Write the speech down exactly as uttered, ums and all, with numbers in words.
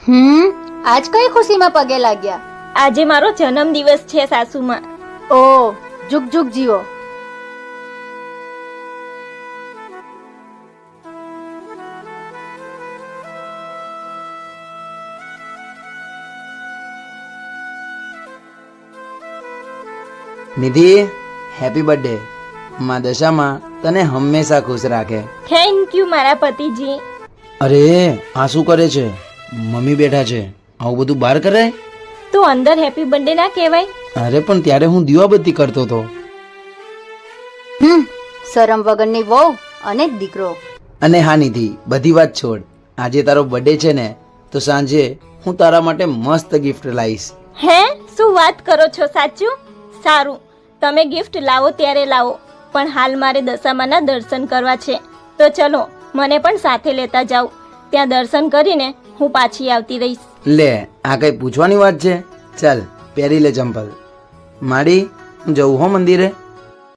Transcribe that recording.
હમ આજ કઈ ખુશીમાં પગે લાગ્યા? આજે મારો જન્મ દિવસ છે સાસુમાં. ઓ જુગ જુગ જીવો. Nidhi, happy birthday. માં દશામાં તને હંમેશા ખુશ રાખે. થેન્ક યુ મારા પતિજી. અરે આ શું કરે છે? મમ્મી બેઠા છે, આવું બધું બહાર કરાય? તો અંદર હેપી બર્થડે ના કહેવાય? અરે પણ ત્યારે હું દીવાબત્તી કરતો હતો. હમ શરમ વગરની વહુ અને દીકરો. અને હા નિધિ, બધી વાત છોડ. આજે તારો બર્થડે છે ને, તો સાંજે હું તારા માટે મસ્ત ગિફ્ટ લાવીશ. હે, શું વાત કરો છો? સાચું? સારું, તમે ગિફ્ટ લાવો ત્યારે લાવો, પણ હાલ મારે દશામાના દર્શન કરવા છે. તો ચલો, મને પણ સાથે લેતા જાઓ. ત્યાં દર્શન કરીને હું પાછી આવતી રહીશ. લે, આ કઈ પૂછવાની વાત છે? ચાલ પહેરી લે ચંપલ. માડી, હું જઉં હો મંદિરે.